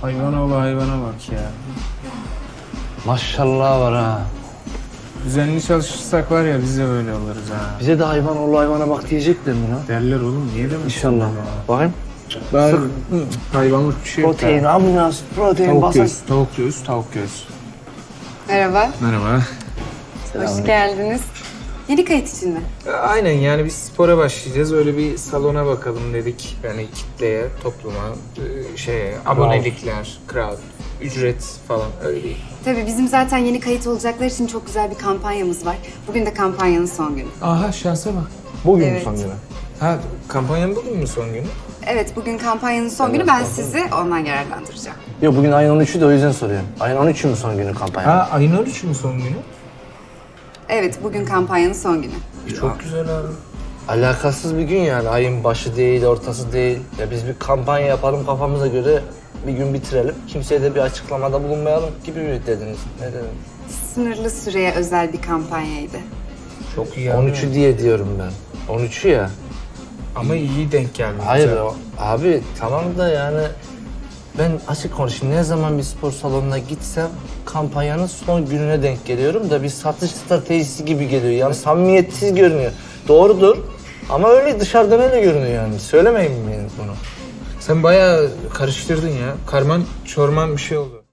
Hayvanoğlu hayvana bak ya. Maşallah var ha. Düzenli çalışırsak var ya biz de böyle oluruz ha. Bize de hayvana bak diyecekler mi lan? Derler oğlum niye demesin? İnşallah. Bakayım. Ben hayvanlık bir şey yok. Protein, ambulans, protein, Tavuk basar. göğüs, tavuk göğüs, tavuk göğüs. Merhaba, Merhaba. hoş geldiniz. Yeni kayıt için mi? Aynen yani biz spora başlayacağız. Öyle bir salona bakalım dedik. Yani kitleye, topluma, abonelikler, crowd, ücret falan öyle bir. Tabii bizim zaten yeni kayıt olacaklar için çok güzel bir kampanyamız var. Bugün de kampanyanın son günü. Aha şansa bak. Bugün Evet. son günü. Ha kampanyanın bugün mü son günü? Evet, bugün kampanyanın son günü. Ben sizi ondan yararlandıracağım. Yok bugün ayın 13'ü de o yüzden soruyorum. Ayın 13'ü mü son günü kampanya? Ha ayın 13'ü mü son günü? Evet, bugün kampanyanın son günü. Çok güzel abi. Alakasız bir gün yani. Ayın başı değil, ortası değil. Ya biz bir kampanya yapalım kafamıza göre bir gün bitirelim. Kimseye de bir açıklamada bulunmayalım gibi mi dediniz? Ne dediniz? Sınırlı süreye özel bir kampanyaydı. Çok iyi abi. 13'ü diye diyorum ben. 13'ü ya. Ama iyi denk geldi. Hayır Güzel. abi tamam da yani ben açık konuşayım ne zaman bir spor salonuna gitsem kampanyanın son gününe denk geliyorum da bir satış stratejisi gibi geliyor. Yani samimiyetsiz görünüyor. Doğrudur ama öyle dışarıdan öyle görünüyor yani. Söylemeyin mi bunu? Sen bayağı karıştırdın ya. Karman çorman bir şey oldu.